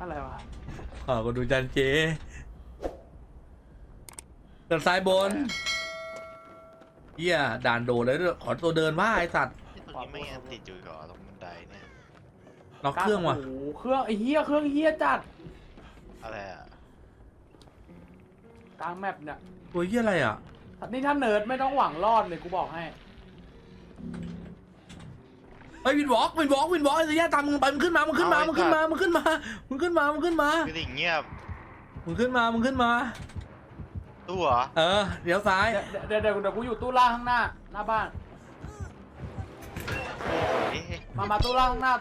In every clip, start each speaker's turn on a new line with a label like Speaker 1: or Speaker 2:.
Speaker 1: อะไรวะ
Speaker 2: ก็ดูจันเจเดินซ้ายบนเฮียด่านโดดเลยด้วยขอตัวเดินว่าไอสัตว์
Speaker 3: ตรงนี้ไม่ยังติดอยู่เหรอตรงบันไดเนี่ย
Speaker 2: ล็อกเครื่องว่ะ
Speaker 1: โอ้โหเครื่องไอ้เหี้ยเครื่องเหี้ยจัด
Speaker 3: อะไรอ่ะ
Speaker 1: กลางแมปเนี่ย
Speaker 2: ตัวเฮียอะไรอ่ะ
Speaker 1: นี่ถ้าเนิร์ดไม่ต้องหวังรอดเลยกูบอกให้
Speaker 2: ไอ้วินวอล์กไอ้สัญญาตามมึงไปมึงขึ้นมาคือ
Speaker 3: สิ่งเงียบ
Speaker 2: มึงขึ้นมา
Speaker 3: ตู้เหรอ
Speaker 2: เดี๋ยวซ้าย
Speaker 1: เดี๋ยวกูอยู่ตู้ล่างข้างหน้าบ้าน
Speaker 3: เอ๊ะ
Speaker 1: มาตู้ล่างข้างหน้า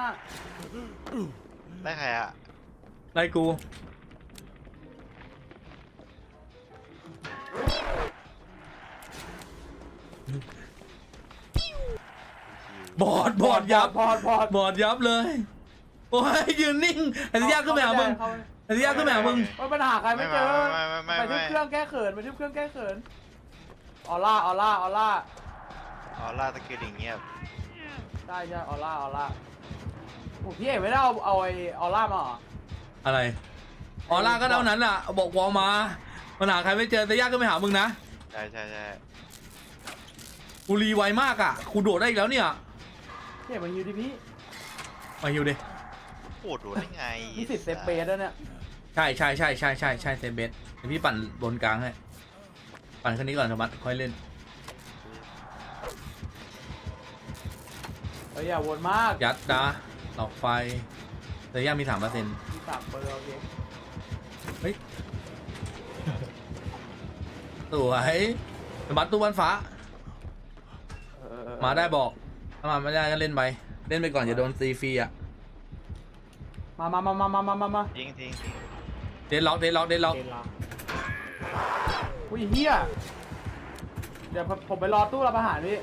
Speaker 3: ได้ใครอ่ะ
Speaker 2: ไล่กูบอดยับบอดยับเลยโอ้ยยืนนิ่งไอ้สัญญาขึ้นไปหามึง
Speaker 1: ไม่ปัญหาใครไม่เจอ
Speaker 3: ไม่
Speaker 1: ไปที่เครื่องแก้เขินออร่า
Speaker 3: อ๋อล่าตะกี้ดิ่งเงียบ
Speaker 1: ได้ใช่ออร่าโอ้พี่เอกไม่ได้เอาไอออร่ามาเหรอ
Speaker 2: อะไรออร่าก็เท่านั้นอ่ะบอกวอลมาปัญหาใครไม่เจอสัญญาขึ้นไปหามึงนะ
Speaker 3: ใช่
Speaker 2: กูรีไวมากอ่ะกูโดดได้อีกแล้วเนี่ย
Speaker 1: พี่เอกมาฮิวดิพี่
Speaker 2: มาฮิวดิ
Speaker 3: ปวดหัวได้ไง
Speaker 1: มีสิทธิ์เซฟเบสแล้วเนี่ย
Speaker 2: ใช่เซเบสเดี๋ยวพี่ปั่นบนกลางให้ปั่นแค่นี้ก่อนสมัติค่อยเล่น
Speaker 1: เฮ้ยอย่าวนมาก
Speaker 2: ยัดดาหลอกไฟแต่ยังมี3%
Speaker 1: มี3%โอเค
Speaker 2: เฮ้ยสวยสมัติตู้บ้านฟ้ามาได้บอกถ้ามาไม่ได้ก็เล่นไปก่อนอย่าโดนซีฟรีอ่ะ
Speaker 1: มา
Speaker 3: ทิ้ง
Speaker 2: เดนล็อก
Speaker 1: อุ้ยเฮียเดี๋ยวผมไปรอตู้รับอาหารพี่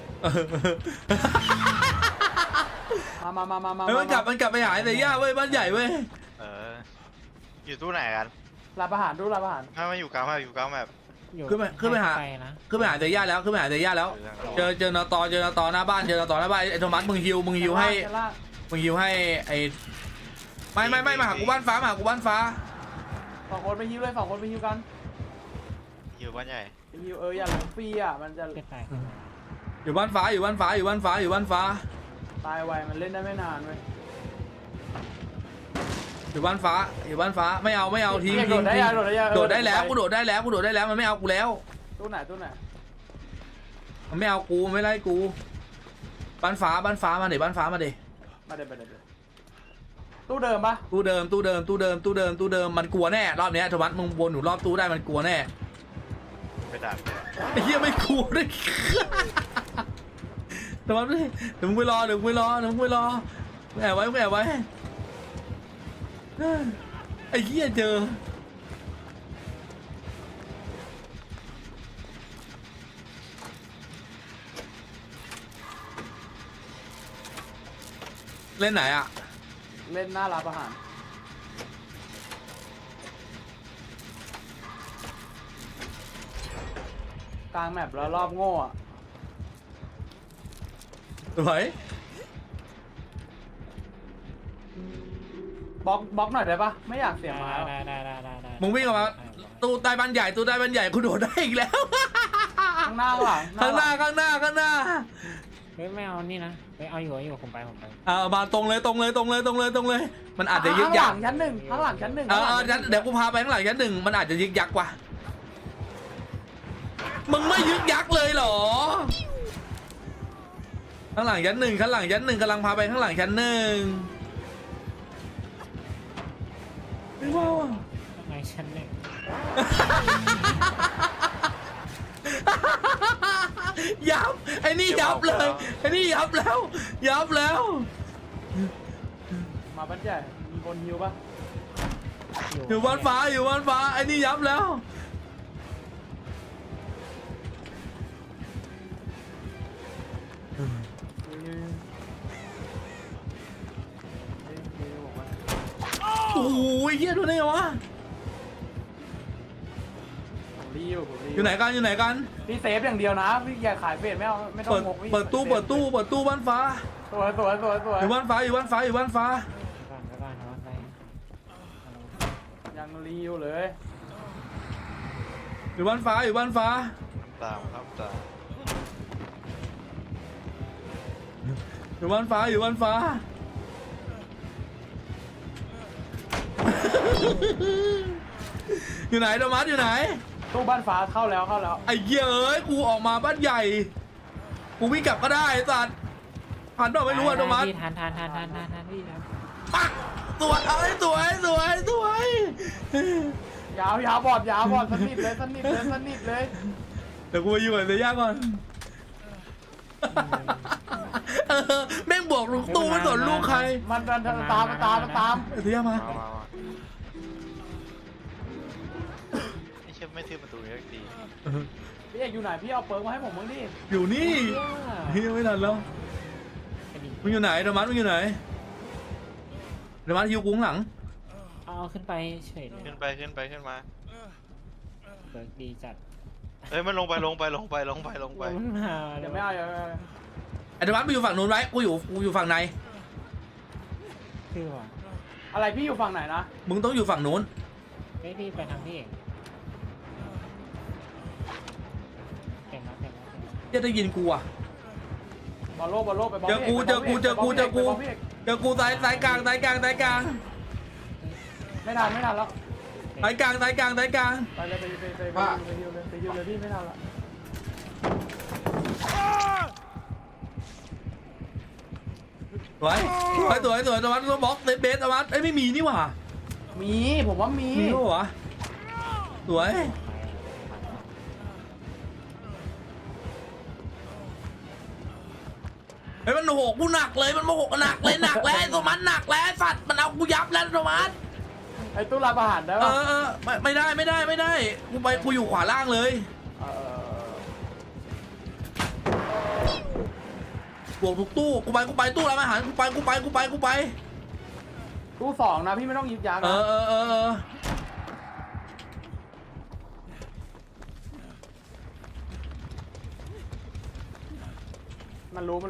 Speaker 1: มา
Speaker 2: เฮ้ยมันกลับไปหาแต่ย่าเว้ยบ้านใหญ่เว้ย
Speaker 3: อยู่ตู้ไหนกัน
Speaker 1: รับอาหารตู้รับอาหาร
Speaker 3: มาอยู่กลางแบบ
Speaker 2: ขึ้นไปหาแต่ย่าแล้วเจอนตอหน้าบ้านไอ้โทมัสมึงฮิวให้ไอ้ไม่มาหากูบ้านฟ้า
Speaker 1: 2 คนไปฮิวเลย2 คนไปฮิวกัน
Speaker 3: อยู่บ้านใหญ่
Speaker 1: ไปฮิวอย่าหลงฟรีอ่ะมันจะ
Speaker 2: อยู่บ้านฟ้า
Speaker 1: ตายไวมันเล่นได้ไม่นานเว้ย
Speaker 2: อยู่บ้านฟ้าไม่เอาทิ้ง
Speaker 1: โดดได้ยัง
Speaker 2: โดดได้แล้วกูโดดได้แล้วมันไม่เอากูแล้ว
Speaker 1: ตู้ไหน
Speaker 2: มันไม่เอากูไม่ไล่กูบ้านฟ้ามาเดี๋ยวบ้านฟ้ามาเดี๋ยว
Speaker 1: มาเดี๋ยวตู้เดิมปะ
Speaker 2: ตู้เดิมมันกลัวแน่รอบนี้โทมัสมึงวนอยู่รอบตู้ได้มันกลัวแน่
Speaker 3: ไปดัก
Speaker 2: ไอ้เหี้ยไม่กลัวด้วยโทมัสเดี๋ยวมึงไปรอแอบไว้ไอ้เหี้ยเจอเล่นไหนอ่ะ
Speaker 1: เล่นหน้ารับอาหารกลางแมปแล้วรอบโง่อะ
Speaker 2: สวย
Speaker 1: บล็อกหน่อยได้ปะไม่อยากเสียไม้
Speaker 4: ได้
Speaker 2: มึงวิ่งออกมาตู้ใต้บ้านใหญ่กูโดดได้อีกแล้ว
Speaker 1: ข้างหน้าข้างหลัง
Speaker 2: ข้างหน้า
Speaker 4: เฮ้ยไม่เอานี่นะเฮ้ยเอาอยู่ผมไป
Speaker 2: มาตรงเลยมันอาจจะยึกยัก
Speaker 1: ข้างหลังชั้นหนึ่ง
Speaker 2: เดี๋ยวกูพาไปข้างหลังชั้น1มันอาจจะยึกยักว่ะมึงไม่ยึกยักเลยเหรอข้างหลังชั้นหนึ่งกำลังพาไปข้างหลังชั้น1ไม่ว่าว่ะ
Speaker 4: ในชั้นหนึ่ง
Speaker 2: ยับไอ้นี่ยับเลยยับแล้ว
Speaker 1: มาบ้านใหญ่มีคนฮิวปะ
Speaker 2: อยู่บ้านฟ้าไอ้นี่ยับแล้วโอ้ยเฮียดูได้ไงวะอยู่ไหนกัน
Speaker 1: พี่เซฟอย่างเดียวนะพี่อย่าขายเฟรไม่ต้องงก
Speaker 2: เปิดตู้บ้านฟ้า
Speaker 1: สวย
Speaker 2: อยู่บ้านฟ้า
Speaker 4: ก่อนไป
Speaker 1: รีวเลย
Speaker 2: อยู่บ้านฟ้าอยู่บ้านฟ้า
Speaker 3: ตามครับตาม
Speaker 2: อยู่บ้านฟ้าอยู่บ้านฟ้า อยู่ไหนโทมัสอยู่ไหน
Speaker 1: ตู้บ้านฟ้าเข้าแล้วเข้าแล้ว
Speaker 2: ไอ้เหี้ยเอ้ยกูออกมาบ้านใหญ่กูวิ่งกลับก็ได้ไอ้สัตว์ผ่านเปล่าไม่รู้อะโทมัส
Speaker 4: พี่ทานพี่ทาน
Speaker 2: ปักสวยเอ้ยสวยสวยสวย
Speaker 1: ยาวบอดสนิทเลยสนิทเลย
Speaker 2: เดี๋ยวกูไปอยู่กับเซย่าก่อนแม่งบอกลูกตู้ไม่สนลูกใคร
Speaker 1: มันตาม
Speaker 2: เซย่ามา
Speaker 3: มาไม่ใช่ไม่ทื่อประตูนี้สักที
Speaker 1: พี่เอกอยู่ไหนพี่เอาเปิร์กมาให้ผมบ้างดิ
Speaker 2: อยู่นี่เฮียไม่ทันแล้วมึงอยู่ไหนโทมัสมึงอยู่ไหนโทมัสฮิวกุ้งหลัง
Speaker 4: เอาขึ้นไปเฉยเลย
Speaker 3: ขึ้นมา
Speaker 4: เบิร์กดีจัด
Speaker 3: เฮ้ยมันลงไป
Speaker 4: มันมา
Speaker 1: เดี๋ยวไม่เอา
Speaker 2: ไอ้โทมัสมึงอยู่ฝั่งนู้นไว้กูอยู่ฝั่งใน
Speaker 4: คือว่า
Speaker 1: อะไรพี่อยู่ฝั่งไหนนะ
Speaker 2: มึงต้องอยู่ฝั่งนู้น
Speaker 4: ไม่พี่ไปทางพี่เองเต็มแล้ว
Speaker 2: จะได้ยินกูอ่ะ
Speaker 1: บอลโลไปบอล
Speaker 2: เจอกูสายกลางไม่ทันแล้ว
Speaker 1: สายกลาง ไปเลยไปฮิวเลยพี่ไม่ทันละ
Speaker 2: สวยโทมัสบล็อกเบสโทมัสเอ้ยไม่มีนี่หว่า
Speaker 1: มีผมว่ามี
Speaker 2: มีป่ะวะสวยเฮ้ยมันโหกกูหนักเลยมันโมโหหนักเลยโทมัสหนักแล้วสัตว์มันเอากูยับแล้วโทมัส
Speaker 1: ไอ้ตู้รับอาหารได้ปะ
Speaker 2: ไม่ได้กูอยู่ขวาล่างเลยบวกทุกตู้กูไปตู้ร้านอาหารกูไป
Speaker 1: ตู้สองนะพี่ไม่ต้องยึดยักษ์นะมันรู้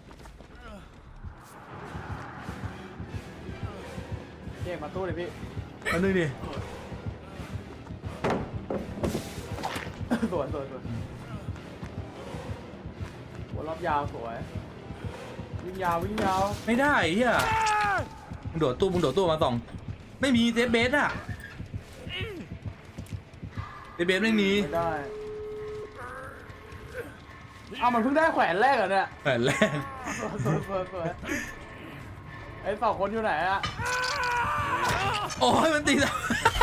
Speaker 1: เรียกมาตู้เลยพี่
Speaker 2: อันนึงดิ
Speaker 1: สวยหัวรอบยาวสวยวิ่งยาว
Speaker 2: ไม่ได้เฮียมึงโดดตู้มาส่องไม่มีเซฟเบสอะเซฟเบสไม่มี
Speaker 1: ไม่ได้เอามันเพิ่งได้แขวนแรกเหรอเนี่ย
Speaker 2: แต่แรก
Speaker 1: สวยไอ้สองคนอยู่ไหนอะ
Speaker 2: โอ้ยมันตีแล้ว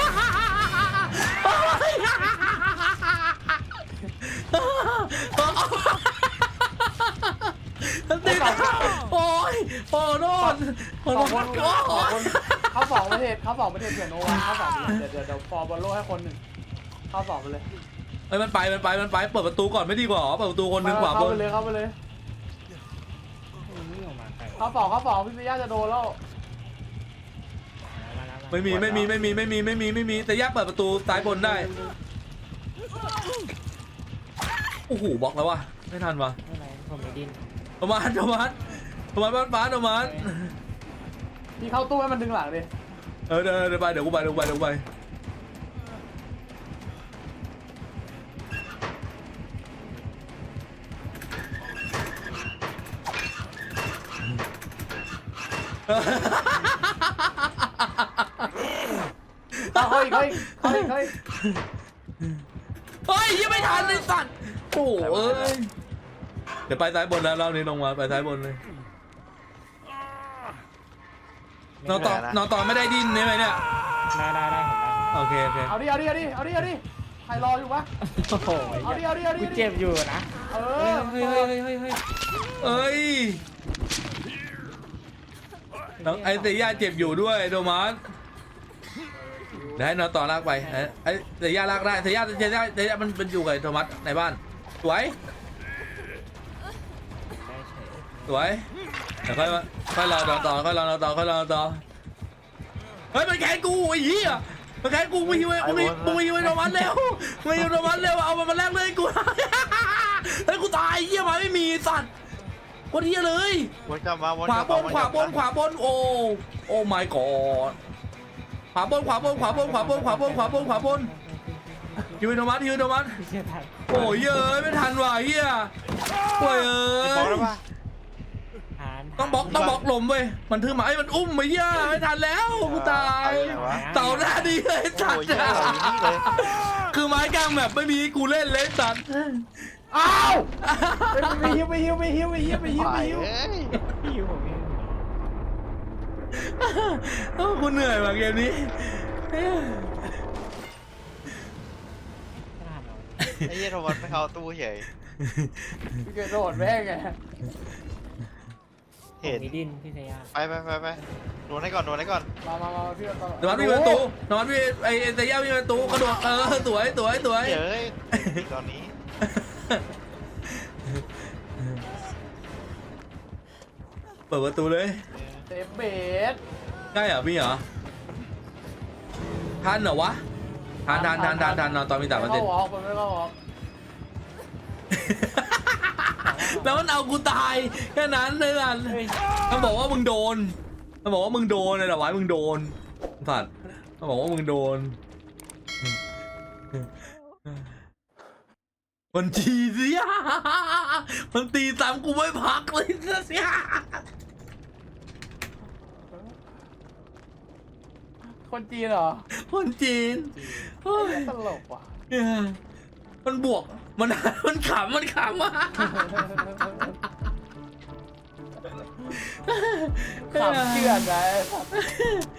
Speaker 2: มันตีแล้วโอ้ยโอ้โดน
Speaker 1: สองคนเข้าสองประเทศเผื่อโนวันเข้าสองเดี๋ยวฟอร์บอลโลให้คนหนึ่งเข้าสองไปเลย
Speaker 2: เอ้ยมันไปเปิดประตูก่อนไม่ดีกว่าเปิดประตูคนหนึ่งขวาบ
Speaker 1: เข้าน ไปเลย
Speaker 4: นี่ออกมาใคร
Speaker 1: เข้าสองพี่เมย่าจะโดนแล้ว
Speaker 2: ไม่มีแต่ยากเปิดประตูซ้ายบนได้โอ้โหบล็อกแล้ววะไม่ทันวะ
Speaker 4: ไม่ไรผมไม่ดิ้น
Speaker 2: โทมัสบ้านฟ้าโทมัส
Speaker 1: พี่เข้าตู้ให้มันดึงหลังดิ
Speaker 2: เดี๋ยวไปเดี๋ยวกูไป
Speaker 1: เข้าอีก
Speaker 2: เฮ้ยยังไม่ทันเลยสัตว์โอ้เอ้ยเดี๋ยวไปซ้ายบนแล้วรอบนี้ลงมาไปซ้ายบนเลยนอนต่อไม่ได้ดิ้นใช่ไหมเนี่ย
Speaker 4: ได้ผมได้
Speaker 2: โอเค
Speaker 1: เอาดิใครรออยู่วะ
Speaker 4: โอ้โห
Speaker 1: เอาดิ
Speaker 4: กูเจ็บอยู่นะ
Speaker 1: เอ
Speaker 4: เฮ้
Speaker 1: อ
Speaker 2: เอ้ยน้องไอเซียเจ็บอยู่ด้วยโทมัสเดี๋ยวให้นอนต่อลากไปไอเซียลากได้เซียมันอยู่กับโทมัสในบ้านสวยเดี๋ยวค่อยรอต่อเฮ้ยมันแขนกูไอ้เหี้ยมันแขนกูมึงหิวไอ้โทมัสเร็วเอามันมาแลกเลยกูเฮ้ยกูตายเหี้ยมาไม่มีสัตว์คนเหี้ยเลย
Speaker 3: วนกลับมา
Speaker 2: ขวาบนโอ้ my god ขวาบนขวาบนขวาบนขวาบนขวาบนขวาบนขวาบนฮิวโทมัสฮิวโทมัส
Speaker 4: ไม่เชื่อทัน
Speaker 2: โอ้ยเย้ยไม่ทันว่ะเฮียโอ้ยเอ้
Speaker 3: บอก
Speaker 2: ย
Speaker 3: แล้วป่ะ
Speaker 4: ทัน
Speaker 2: ต้องบล็อกลมเว้ยมันถือหมาไอ้มันอุ้มไปเฮียไม่ทันแล้วกูตายเต่าหน้าดีเลยสัต
Speaker 3: โอ้
Speaker 2: ว์
Speaker 3: ยเหี้ยเราอยู่นี่เลย
Speaker 2: คือไม้กลางแบบไม่มีกูเล่นเลยสัตว์
Speaker 1: อ้าวไปฮิวไปฮิวไปฮิวไปฮิวไปฮิวไปฮิว
Speaker 3: เอ้ย
Speaker 4: พี่อยู่ผมเอง
Speaker 2: โอ้กูเหนื่อยว่ะเกมนี้
Speaker 4: ไม่ทันหรอก
Speaker 3: ไอ้เหี้ยโทมัสไม่เข้าตู้เฉย
Speaker 1: พี่เกดโดดแม่งไง
Speaker 3: เห็น
Speaker 4: ผมมีดินพี่เซีย
Speaker 3: ไปโดนให้ก่อน
Speaker 1: มาพี่ตลอด
Speaker 2: นวัดมีประตูนวัดมีไอ้เตย่ามีประตูกระโดดสวย
Speaker 3: เฮ้ยตอนนี้
Speaker 2: เปิดประตูเลย
Speaker 1: เซฟเบส
Speaker 2: ได้เหรอพี่เหรอทันเหรอวะทันนอนตอนมีแต่ประเด็น
Speaker 1: ไม่เข้าวอล์กมันไม่เข้าวอล์ก
Speaker 2: แล้วมันเอากูตายแค่นั้นเลยล่ะมันบอกว่ามึงโดนเลยเหรอวะมึงโดนสัตว์มันบอกว่ามึงโดนมันจีเสียมันตีตามกูไม่พักเลยเสีย
Speaker 1: คนจีนเหรอ
Speaker 2: คนจีนเฮ้ย
Speaker 1: ตลกว่ะ
Speaker 2: เนี่ยมันบวกมันขำอ่ะ
Speaker 1: ขำเชื่อนเลย